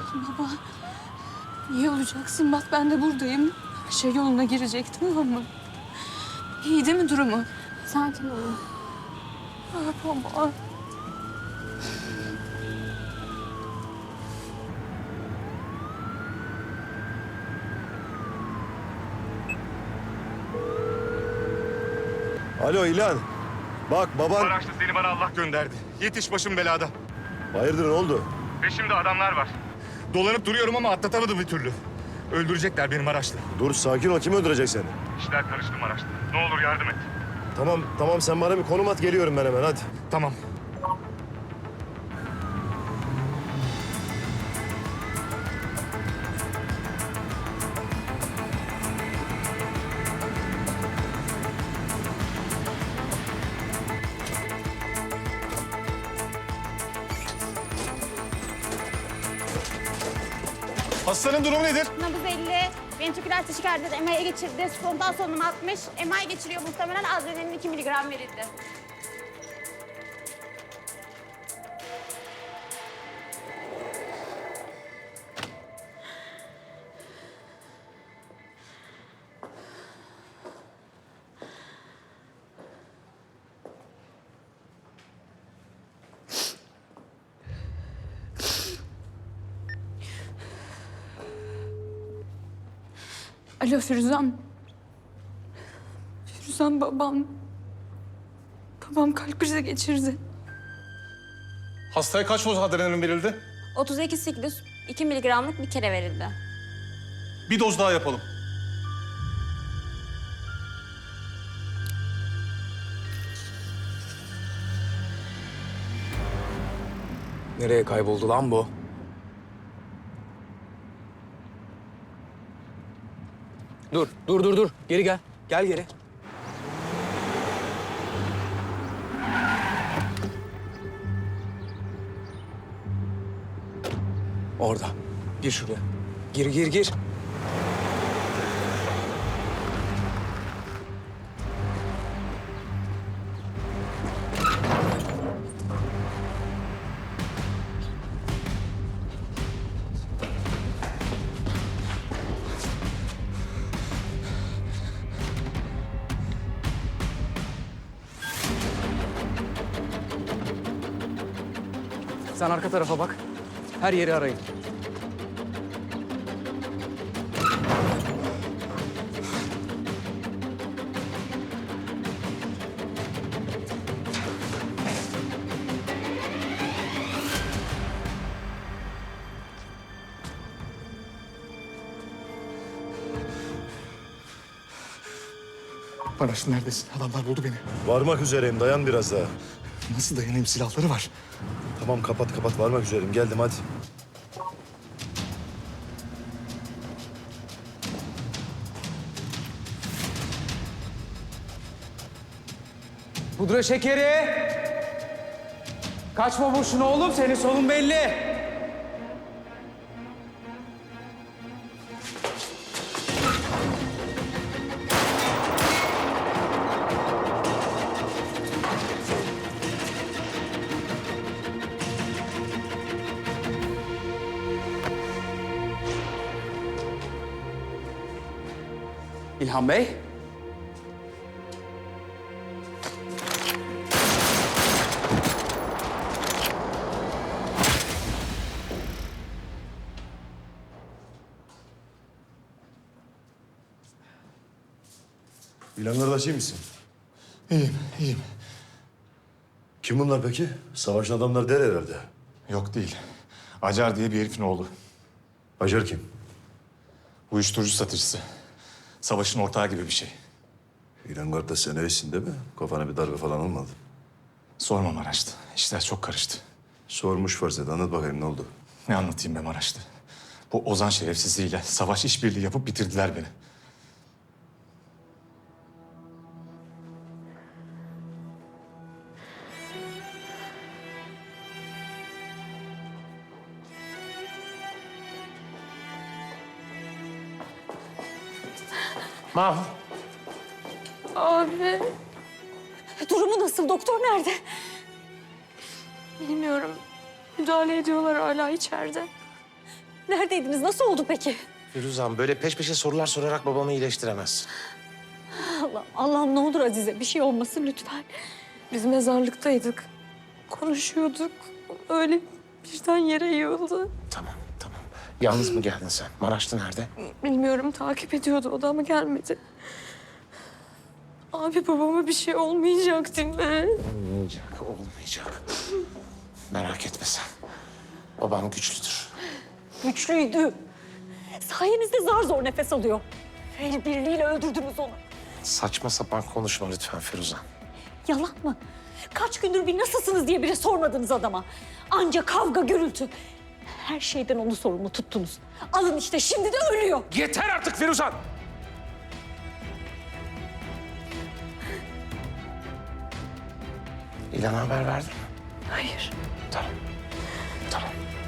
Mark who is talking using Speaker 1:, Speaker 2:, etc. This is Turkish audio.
Speaker 1: Baba, iyi olacaksın. Bak ben de buradayım. Her şey yoluna girecek, tamam mı? İyi değil mi durumu?
Speaker 2: Sakin olun.
Speaker 1: Ah baba.
Speaker 3: Alo İlhan. Bak baban...
Speaker 4: Maraşlı seni bana Allah gönderdi. Yetiş, başım belada.
Speaker 3: Hayırdır ne oldu?
Speaker 4: Peşimde adamlar var. Dolanıp duruyorum ama atlatamadım bir türlü. Öldürecekler beni Maraşlı.
Speaker 3: Dur sakin ol. Kim öldürecek seni?
Speaker 4: İşler karıştı Maraşlı. Ne olur yardım et.
Speaker 3: Tamam sen bana bir konum at, geliyorum ben hemen hadi.
Speaker 4: Tamam. Hastanın durumu nedir?
Speaker 2: Nabız 50, ventriküler taşikardi, MR'ye geçirdi. Spontan solunum 60, MR geçiriyor muhtemelen adrenalin 2 miligram verildi.
Speaker 1: Alo Firuzan. Firuzan babam. Babam kalp krizi geçirdi.
Speaker 4: Hastaya kaç doz adrenalin verildi?
Speaker 2: 32 siklus, 2 miligramlık bir kere verildi.
Speaker 4: Bir doz daha yapalım.
Speaker 5: Nereye kayboldu lan bu? Dur. Geri gel. Gel geri. Orada. Gir şuraya. Gir. Sen arka tarafa bak. Her yeri arayın.
Speaker 4: Maraşlı neredesin? Adamlar buldu beni.
Speaker 3: Varmak üzereyim, dayan biraz daha.
Speaker 4: Nasıl dayanayım? Silahları var.
Speaker 3: Tamam kapat varmak üzereyim, geldim hadi.
Speaker 5: Pudra şekeri. Kaçma boşuna oğlum. Senin solun belli. İlhan Bey.
Speaker 3: İlhan kardeş iyi misin?
Speaker 4: İyiyim.
Speaker 3: Kim bunlar peki? Savaşın adamlar der herhalde.
Speaker 4: Yok değil. Acar diye bir herifin oğlu.
Speaker 3: Acar kim?
Speaker 4: Uyuşturucu satıcısı. Savaşın ortağı gibi bir şey.
Speaker 3: İlhan kardeş sen iyisin değil mi? Kafana bir darbe falan olmadı.
Speaker 4: Sorma Maraşlı. İşler çok karıştı.
Speaker 3: Sormuş farz et, anlat bakayım ne oldu?
Speaker 4: Ne anlatayım be Maraşlı? Bu Ozan şerefsizliğiyle savaş işbirliği yapıp bitirdiler beni.
Speaker 5: Mahmut.
Speaker 1: Abi.
Speaker 2: Durumu nasıl? Doktor nerede?
Speaker 1: Bilmiyorum. Müdahale ediyorlar hala içeride.
Speaker 6: Neredeydiniz? Nasıl oldu peki?
Speaker 7: Firuzan böyle peş peşe sorular sorarak babamı iyileştiremezsin.
Speaker 6: Allah'ım ne olur Azize bir şey olmasın lütfen.
Speaker 1: Biz mezarlıktaydık. Konuşuyorduk. Öyle birden yere yığıldı.
Speaker 7: Tamam. Yalnız mı geldin sen? Maraşlı nerede?
Speaker 1: Bilmiyorum, takip ediyordu o da ama gelmedi. Abi babama bir şey olmayacak değil mi?
Speaker 7: Olmayacak. Merak etme sen. Babam güçlüdür.
Speaker 6: Güçlüydü. Sayenizde zar zor nefes alıyor. El birliğiyle öldürdünüz onu.
Speaker 7: Saçma sapan konuşma lütfen Firuzan.
Speaker 6: Yalan mı? Kaç gündür bir nasılsınız diye bile sormadınız adama. Anca kavga, gürültü. Her şeyden onu sorumlu tuttunuz. Alın işte şimdi de ölüyor.
Speaker 7: Yeter artık Firuzan! İlhan'a haber verdin mi?
Speaker 1: Hayır.
Speaker 7: Tamam.